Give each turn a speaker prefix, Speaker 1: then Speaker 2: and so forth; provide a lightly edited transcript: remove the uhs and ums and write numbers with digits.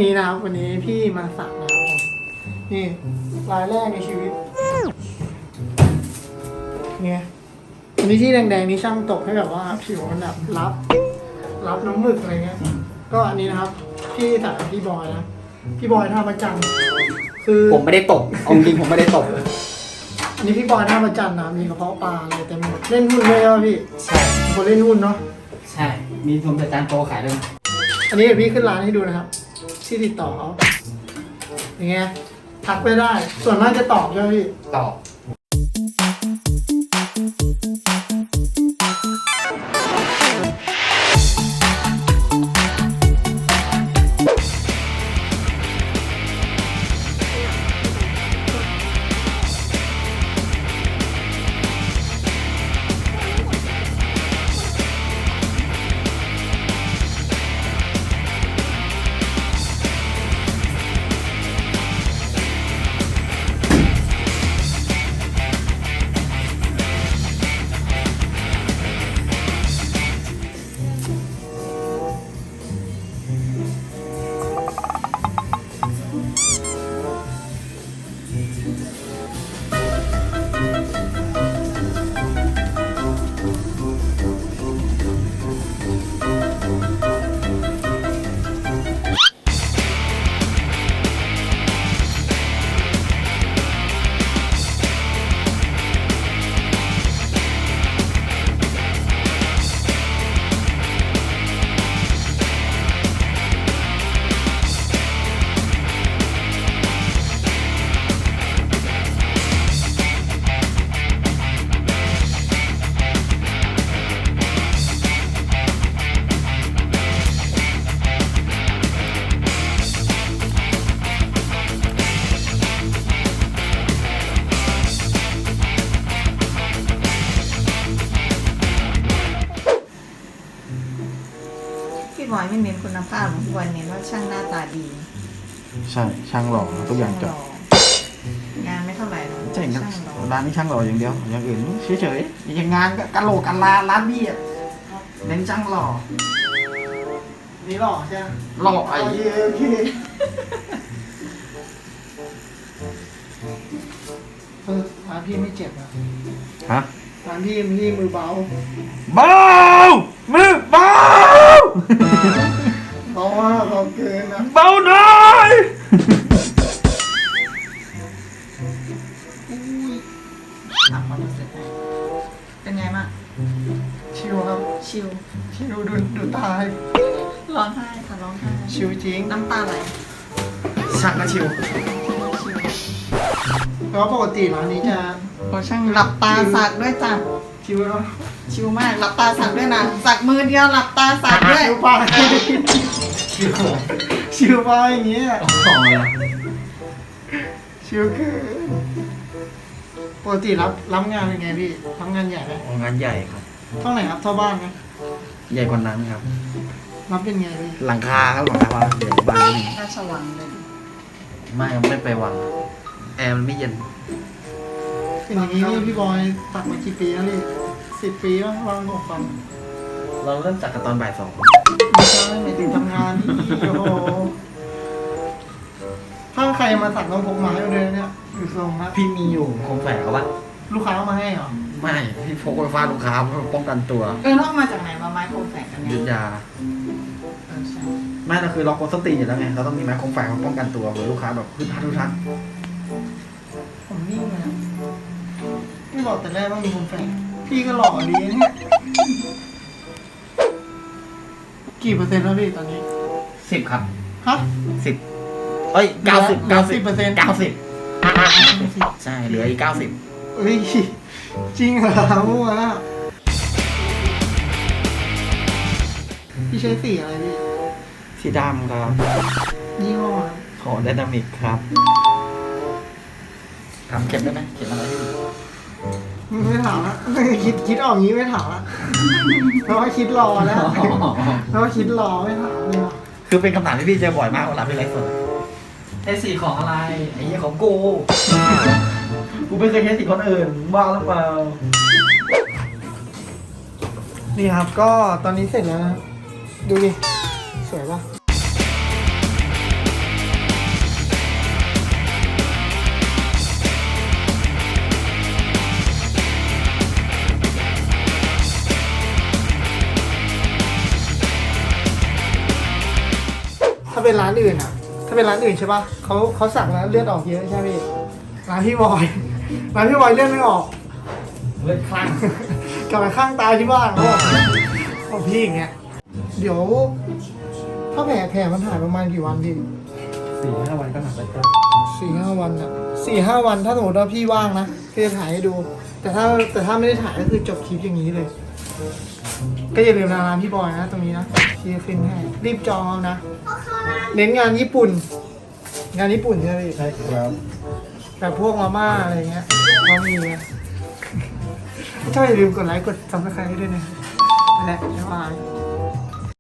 Speaker 1: นี้นะครับวันนี้พี่มาสักนะครับผมนี่รายแรกในชีวิตเนี่ยอันนี้ที่แดงๆนี่ช่างตกให้แบบว่าผิวมันแบบรับน้ำหมึกอะไรเงี้ยก็อันนี้นะครับพี่สักพี่บอยนะพี่บอยท่าประจันคือ
Speaker 2: ผมไม่ได้ตกเอาจริงผมไม่ได้ตก
Speaker 1: อันนี้พี่บอยท่าประจันนะมีกระเพาะปลาอะไรเต็มหมดเล่นหุ้นด้วยครับพี่
Speaker 2: ใช่
Speaker 1: คนเล่นหุ้นเนาะ
Speaker 2: ใช่มีผมจัดจานโตขายด้วย
Speaker 1: อันนี้เดี๋ยวพี่ขึ้นร้านให้ดูนะครับที่ติดต่อเขาอย่างเงี้ยทักไปได้ส่วนมากจะตอบใช่ไหมพี่
Speaker 2: ตอบ
Speaker 3: พี่บอยไม่เน้นคุณภาพของพี่บอยเน้นว่าช่างหน้าตาดี
Speaker 4: ใช่ช่างหล่อทุกอย่างจบ
Speaker 3: งานไม่เท่าไหร่หรอก
Speaker 4: ใช่ครับร้านนี้ช่างหล่ออย่างเดียวอย่างอื่นเฉยๆอย่างงานก็กะโหลกกะลาร้านบี้อ่ะเน้นช่างหล่อ
Speaker 1: นี่หล่อใช่ไหม
Speaker 4: หล่อไอ้
Speaker 1: โอเคร้านพี่ไม่เจ็บอ่ะ
Speaker 4: ฮะ
Speaker 1: ร้านพี่มือเบา
Speaker 4: เบามือเบา
Speaker 1: เบามากเบาเกินนะ
Speaker 4: เบาหน่อย
Speaker 3: ถามความรู้สึกเป็นไงบ้าง
Speaker 1: ชิวครับ
Speaker 3: ชิว
Speaker 1: ดูตาย
Speaker 3: ร้องไห้ค่ะร้องไห้
Speaker 1: ชิวจริง
Speaker 3: น้ำตาไหล
Speaker 4: ช่างก็ชิว
Speaker 1: แล้วปกติร้านนี้จะ
Speaker 3: พอช่างหลับตาสักด้วยจ้ะ
Speaker 1: ชิวเนาะ
Speaker 3: ชิวมากหลับตาสักด้วยนะสักมือเดียวหลับตาสักด้วย
Speaker 1: ชิวไปชิวไปอย่างเงี้ยชิวคือปกติรับงานเป็นไงพี่รับงานใหญ่ไหม
Speaker 4: งานใหญ่ครับ
Speaker 1: เท่าไหร่ครับเท่าบ้านไหม
Speaker 4: ใหญ่กว่านั้นครับ
Speaker 1: รับเป็นไงพี่
Speaker 4: หลังคาครับหลังคาบ้านใหญ่กว่าบ้านนี่
Speaker 3: ราชวังเลย
Speaker 4: ไม่ไปวังแอร์มันไม่เย็น
Speaker 1: เป็นอย่างนี้นี่พี่บอยตักมากี่ปีแล้วนี่10 ปีแล้ววางบอกฟัง
Speaker 4: เราเริ่มจัดกันตอนบ่าย 2
Speaker 1: ไม่ใช่ไม่ถึงทำงานโอ้โหถ้าใครมาสั่งต้องพกไม้มาเลยเนี่ยอยู่ทรงนะ
Speaker 4: พี่มีอยู่คมแฝกเขาปะ
Speaker 1: ลูกค้าเอามาให้เหรอ
Speaker 4: ไม่พี่พกไฟฟ้าลูกค้าเพื่อป้องกันตัว
Speaker 3: แล้วมาจากไหนมาไม้คมแฝกกันเนี่ย
Speaker 4: ยุทธยาไม่เราคือล็อกโคสตีอยู่แล้วไงเราต้องมีไม้คมแฝกมาป้องกันตัวเผื่อลูกค้าแบบพึ่งทัก
Speaker 1: ผมนิ่งเลยไม่บอกแต่แรกว่ามีคมแฝกพี่ก็หล่อดีเนี่ยกี่เปอร์เซ็นต์แล้วพี่ตอนนี้
Speaker 4: 10ครับ
Speaker 1: ฮะ
Speaker 4: 10เอ้ย90%ใช่เหลืออีก90
Speaker 1: เฮ้ยจริงเหรอมั่วพี่ใช้สีอะไรพี่
Speaker 4: สีดำครับ
Speaker 1: ยี่ห้อ
Speaker 4: ของไดนามิกครับถามเก็บได้ไหมเก็บอะไร
Speaker 1: ไม่ถามละคิดออกงี้ไม่ถามละเพราะว่าคิดรอแล้วเพราะว่าคิดรอไม่ถามเลย
Speaker 4: คือเป็นคำถามที่พี่เจอบ่อยมากเวลาพี่ไลฟ์สดไอ้สีของอะไรไอ้เหี้ยของกูไม่เคยใช้สีคนอื่นบ้าหรือเปล่า
Speaker 1: นี่ครับก็ตอนนี้เสร็จแล้วนะดูดิสวยปะาเป็นร้านอื่นอ่ะ ถ้าเป็นร้านอื่นใช่ปะเขาสักแล้วเลือดออกเยอะใช่ไหมพี่ร้านพี่บอยร้านพี่บอยเลือดไม่ออก
Speaker 4: เลือดคลั่ง
Speaker 1: กลับไปข้างตายที่บ้านเขาบอกพี่อย่างเงี้ยเดี๋ยวถ้าแผลมันหายประมาณกี่วันพี่
Speaker 2: 4-5 วันก็หนักไปครับ
Speaker 1: 4-5 วันอ่ะ4-5 วันถ้าสมมติว่าพี่ว่างนะพี่จะถ่ายให้ดู แต่ถ้าไม่ได้ถ่ายก็คือจบคลิปอย่างนี้เลย ก็อย่าลืมร้านพี่บอยนะตรงนี้นะพี่จะขึ้นให้รีบจองเอานะเน้นงานญี่ปุ่น งานญี่ปุ่นใช่ไหมพี่
Speaker 2: ใช่ครับ
Speaker 1: แบบพวกมาม่าอะไรเงี้ยก็มีนะถ้าอย่าลืมกดไลค์กดซับสไครต์ด้วยนะนั่นแหละบ๊ายบาย